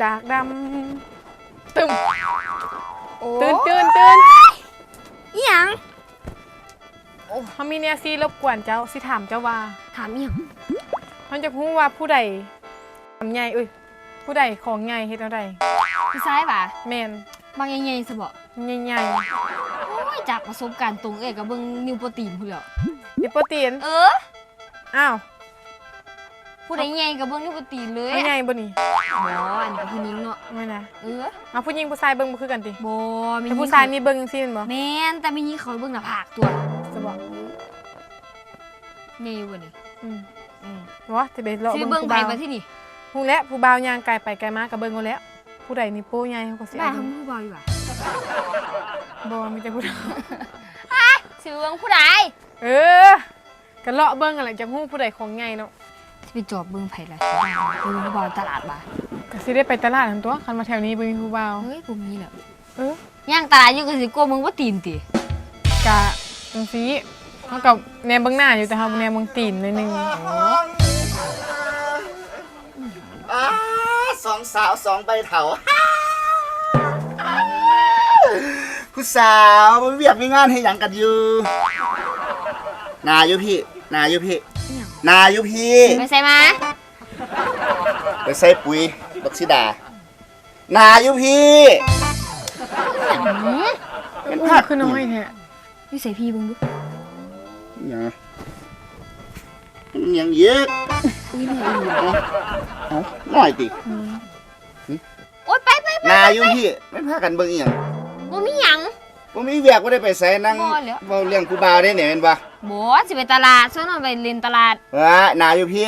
ากดำตึมตื่นอีหยังโอ้เขามีเนี่ยสิรบกวนเจ้าสิถามเจ้าว่าถามอีหยังเขาจะพูดว่าผู้ใดทำใหญ่ผู้ใดของใหญ่เฮ็ดเอาใดพี่ซ้ายป่ะแม่นบางใหญ่ๆซะบ่ใหญ่โอ้ยจากประสบการณ์ตรงกับเบิ่งนิวโปรตีนพุ่นแล้วนิวโปรตีนอ้าวผู้ใดใหญ่กับเบิ่งนิวโปรตีนเลยใหญ่บ่นี่บ่อันนี้ก็ผู้หญิงเนาะแม่นะเอาผู้หญิงผู้ชายเบิ่งบ่คือกันติบ่มีผู้ชายนี่เบิ่งจังซี่แม่นบ่แม่นแต่มีหญิงเขาเบิ่งหน้าผากตัวจะบอกใหญ่บ่นี่ว่าสิไปเลาะเบิ่งไผบ่ที่นี่ฮู้แล้วผู้บ่าวย่างไกลไปไกลมาก็เบิ่งเอาแล้วผู้ใดนี่โป้ใหญ่เขาก็สิได้ทำผู้บ่าวอยู่ว่ะบ่มีแต่ผู้เฒ่าสิเบิ่งผู้ใดก็เลาะเบิ่งอะไรจังฮู้ผู้ใดของใหญ่เนาะสิไปจอบเบิ่งไผล่ะเบิ่งผู้บ่าวตลาดบ่ก็สิได้ไปตลาดทั้งตัวคันมาแถวนี้บ่มีผู้บ่าวเฮ้ยบ่มีแล้วย่างตลาดอยู่ก็สิกลัวมึงบ่ตีนติกะจังซี่เฮากับแนมเบิ่งหน้าอยู่แต่เฮาแนมเบิ่งตีนหน่อยนึงสองสาวสองใบเถาผู้สาวมันเวียกมีงานให้หยังกันอยู่นาอยู่พี่ไปใส่มาไปใส่ปุ๋ยบักซิดานาอยู่พี่เป็นภาพคือน้อยแท้นี่ใส่พี่เบิ่งดูยังเยอะน้อยติโอ๊ยไปนาอยู่พี่ไม่พากันเบิ่งอีหยังบ่มีหยังบ่มีเวียกบ่ได้ไปใส่นั่งเว้าเรื่องผู้บ่าวได้เนี่ยแม่นบ่บ่สิไปตลาดซะหน่อยไปเล่นตลาดนาอยู่พี่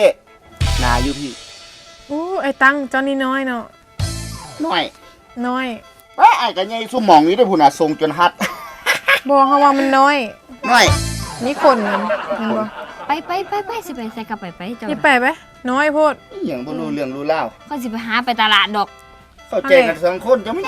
ไอ้ตังเจ้านี่น้อยเนาะน้อยว่าไอ้ก็ใหญ่ซุ่มหม่องอยู่ได้พุ่นน่ะทรงจนฮัดบ่เฮาว่ามันน้อยนี่คนมันบ่ไปสิไปใส่กลับไปเจ้านี่ไปน้อยโพดอีหยังบ่รู้เรื่องรู้ราวก็สิไปหาไปตลาดดอกเข้าใจกัน2คนจะไม่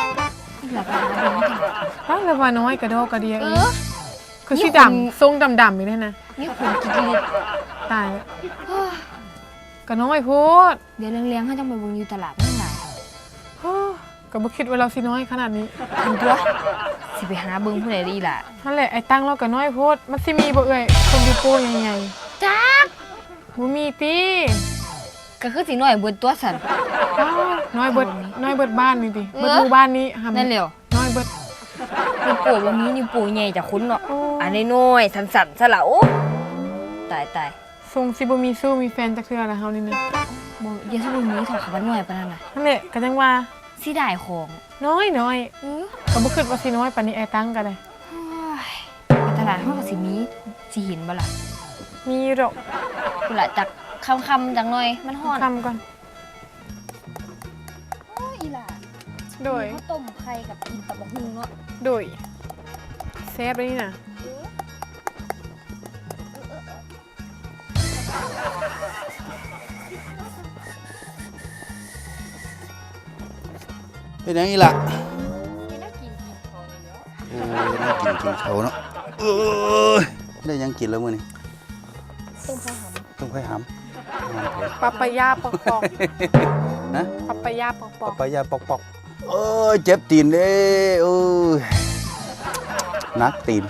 แล้วว่าน้อยกระดอกกระเดียคือสีดำทรงดำๆอยู่นั่นนะนี่คนกินตายแล้วก็น้อยโพดเดี๋ยวเลี้ยงให้จังไปเบิ่งอยู่ตลาดนั่นล่ะก็บ่คิดว่าเราสิน้อยขนาดนี้ถึงตัวสิไปหาเบิ่งผู้ใดดีล่ะนั่นแหละไอ้ตังเราก็น้อยโพดมันสิมีบ่เอ่ยคนอยู่โป้ใหญ่ๆจักบ่มีติก็คือสิน้อยเบิดตัวสั่นน้อยเบิดบ้านนี่ติเบิดหมู่บ้านนี้นั่นแหละน้อยเบิดนี่ปู่บ่มีนี่ปู่ใหญ่จักคุณเนาะอันน้อยๆสั่นๆซะล่ะโอ้ตายทรงสิบ่มีสู้มีแฟนจักเทื่อละเฮานี่นะบ่อย่าสิบ่มีเท่ากับว่าน้อยปานนั้นน่ะนั่นแหละก็จังว่าสิได้ของน้อยก็บ่คิดว่าสิน้อยปานนี้ไอ้ตังก็ได้ไปตลาดเฮาก็สิมีสิเห็นบ่ล่ะมีดอกพุ่นล่ะจักค่ำๆจังหน่อยมันร้อนค่ำก่อนโอ้อีหล่ะโดยต้มไข่กับกินตับบักหุ่งเนาะโดยแซ่บเลยนี่น่ะเป็นยังไงล่ะน่ากินเขาเนาะน่ากินเขาเนาะได้ยังกินแล้วมื้อนี้ต้มไข่หำปะปายาปอกนะปะปายาปอกเจ็บตีนเด้นักตีน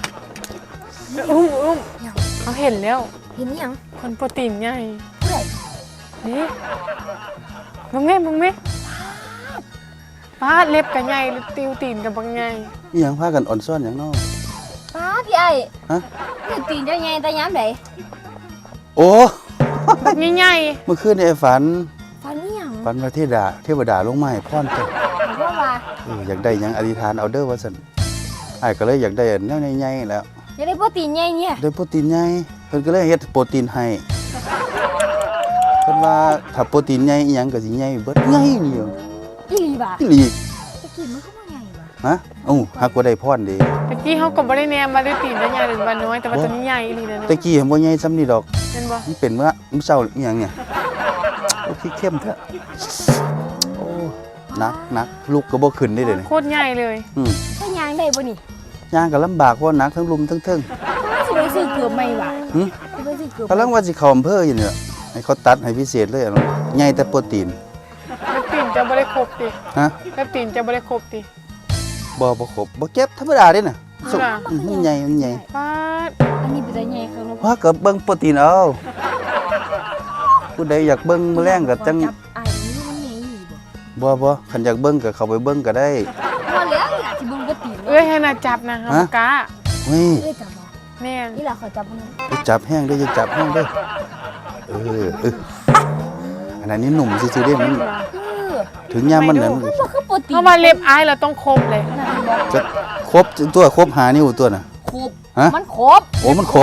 เขาเห็นแล้วเห็นยังคนโปรตีนใหญ่เท่าไหร่นี่มึงแม่ป้าเล็บกันใหญ่ติวตีนกันบางใหญ่นี่ยังพากันอ่อนซ่อนอย่างนอกป้าพี่ไอ้ติวตีนเจ้าใหญ่แต่ย้ำไหนโอ้ใหญ่เมื่อคืนไอ้ฝันนี่ยังฝันว่าเทวดาลงมาให้พรเจ้าอยากได้ยังอธิษฐานเอาเด้อว่าซั่นไอ้ก็เลยอยากได้แนวใหญ่ๆแล้วอยากได้โปรตีนใหญ่เนี่ยได้โปรตีนใหญ่เพิ่นก็เลยเฮ็ดโปรตีนให้เพิ่นว่าถ้าโปรตีนใหญ่อีหยังก็สิใหญ่เบิดใหญ่เดียวอีหลีบ่อีหลีตะกี้มันก็บ่ใหญ่บ่ฮะฮักบ่ได้พรเด้ตะกี้เฮาก็บ่ได้แนมว่าได้ตีนใหญ่หรือว่าน้อยแต่ว่าตัวนี้ใหญ่อีหลีนะตะกี้บ่ใหญ่ซ้ำนี่ดอกเห็นบ่มันเป็นมื้อเช้าอีหยังเนี่ยโอ้ขี้เข้มแท้โอ้นักลูกก็บ่ขึ้นได้เด้โคตรใหญ่เลยถ้าย่างได้บ่นี่ย่างก็ลำบากเพราะนักทั้งลุมทั้งเทิงสิไปซื้อเกือบใหม่ว่ะสิไปซื้อเกือบกำลังว่าสิเข้าอำเภออยู่นี่ให้เขาตัดให้พิเศษเลยใหญ่แต่โปรตีนโปรตีนจะบ่ได้ครบติฮะเล็บตีนจะบ่ได้ครบติบ่ครบบ่เจ็บธรรมดาเด้น่ะสุกค่ะมันใหญ่มันใหญ่ป้าดอันนี้เป็นใหญ่ครับลูกว่าก็เบิ่งโปรตีนเอาผู้ใดอยากเบิ่งมื้อแรงก็จังจับไอ้นี่มันใหญ่อยู่บ่บ่คันอยากเบิ่งก็เข้าไปเบิ่งก็ได้บ่แล้วอยากสิเบิ่งบ่ตีนเอ้ยให้น่าจับนะเฮากะเฮ้ยเอ้ยจับบ่แม่นนี่ล่ะขอจับมันอย่าจับแห้งเด้ออย่าจับแห้งเด้อเอออันนั้นนี่หนุ่มซื่อๆเด้มันเออถึงยามมันนั้นมันบ่คือโปรตีนเพราะว่าเล็บอายเราต้องครบเลยนั่นบ่จะครบตัวครบหานิ้วตัวน่ะครบฮะมันครบโอ้มันครบ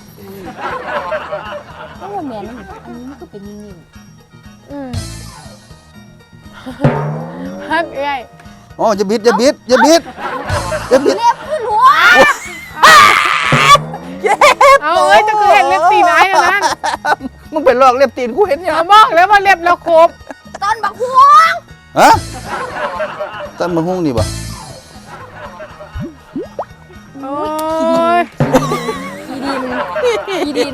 โอ้แม่นอันนี้มันก็เป็นนิ่มอืมฮักเอ้ยอ๋ออย่าบิดอย่าบิดๆเล็บขึ้นหัวเอาเอ้ยจะคือเห็นเล็บตีนอายอันนั้นมึงเป็นลอกเล็บตีนกูเห็นยังเราบอกแล้วว่าเล็บเราครบตอนบักหัวฮะต้นมะฮุ่งนี่บ่โอ้ยขี้ดิน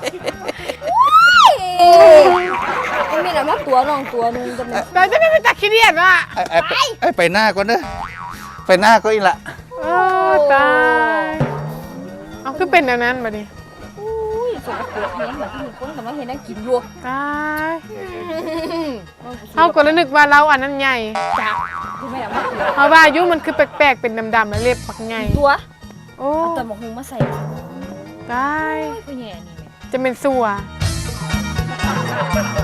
มันมีอะไรมาตัวน้องตัวนึงจะเป็นเราจะไม่ไปตักขี้เดียดว่ะไอ้ไปหน้าก่อนเด้อไปหน้าก็อีกละโอ้ตายเอาคือเป็นแบบนั้นมาดิอุ้ยสกปรกเห็นแบบที่มีคนกำลังเห็นนั่งกินอยู่ตายเอาก็แล้วนึกว่าเราอันนั้นใหญ่จ้ะคือไม่ได้มาตัวเอาว่าอายุมันคือแปลกๆเป็นดำๆแล้วเล็บปักใหญ่ตัวโอ้เอาแต่หมกหุงมาใส่ตายก็แย่นี่แม่จะเป็นสัวเ